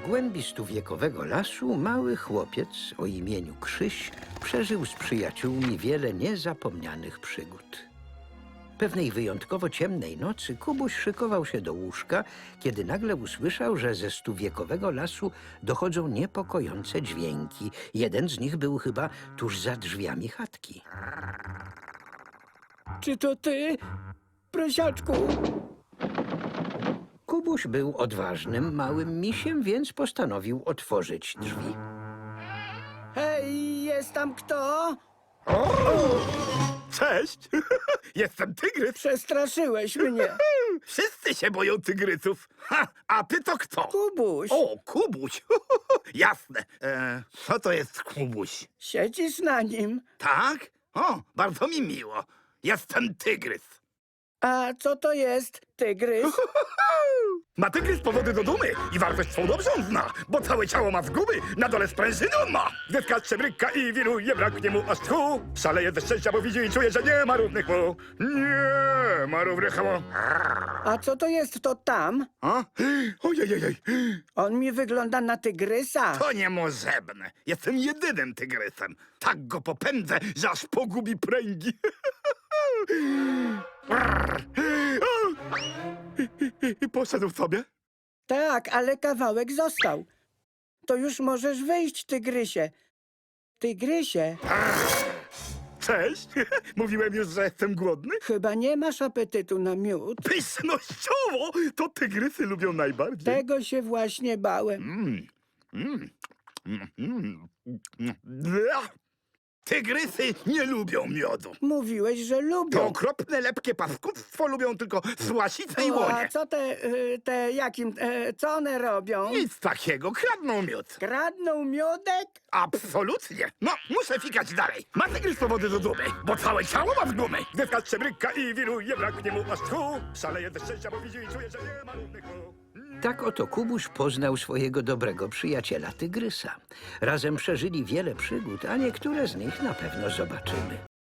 głębi stuwiekowego lasu mały chłopiec o imieniu Krzyś przeżył z przyjaciółmi wiele niezapomnianych przygód. Pewnej wyjątkowo ciemnej nocy Kubuś szykował się do łóżka, kiedy nagle usłyszał, że ze stuwiekowego lasu dochodzą niepokojące dźwięki. Jeden z nich był chyba tuż za drzwiami chatki. Czy to ty, prosiaczku? Kubuś był odważnym, małym misiem, więc postanowił otworzyć drzwi. Hej, jest tam kto? Cześć! Jestem tygrys. Przestraszyłeś mnie. Wszyscy się boją tygrysów. Ha, a ty to kto? Kubuś, O, Kubuś. Jasne. Co to jest Kubuś? siedzisz na nim. Tak? O, bardzo mi miło. Jestem tygrys. A co to jest, tygrys? Ma tygrys powody do dumy i wartość swą dobrze on zna, bo całe ciało ma zguby, na dole sprężyny on ma. Gdy skacze, bryka i wiruje, braknie mu aż tchu. Szaleje ze szczęścia, bo widzi i czuje, że nie ma równych mu. Nie ma równych mu. A co to jest to tam? A? Ojej. On mi wygląda na tygrysa. To niemożebne. Jestem jedynym tygrysem. Tak go popędzę, że aż pogubi pręgi. I poszedł sobie. Tak, ale kawałek został. To już możesz wyjść, tygrysie. Tygrysie, Cześć. Mówiłem już, że jestem głodny. chyba nie masz apetytu na miód. Pysznościowo to tygrysy lubią najbardziej. Tego się właśnie bałem. Bla. Tygrysy nie lubią miodu. Mówiłeś, że To lubią. okropne, lepkie paskudztwo lubią tylko słasice i A łonie. co co one robią? Nic takiego, kradną miód. Kradną miodek? Absolutnie. No, muszę fikać dalej. Ma tygrys powody do dumy, bo całe ciało ma w gumy. Gdy skacze, bryka i wiruje, braknie mu aż tchu. Szaleje ze szczęścia, bo widzi i czuje, że nie ma równych mu. Tak oto Kubuś poznał swojego dobrego przyjaciela Tygrysa. Razem przeżyli wiele przygód, a niektóre z nich na pewno zobaczymy.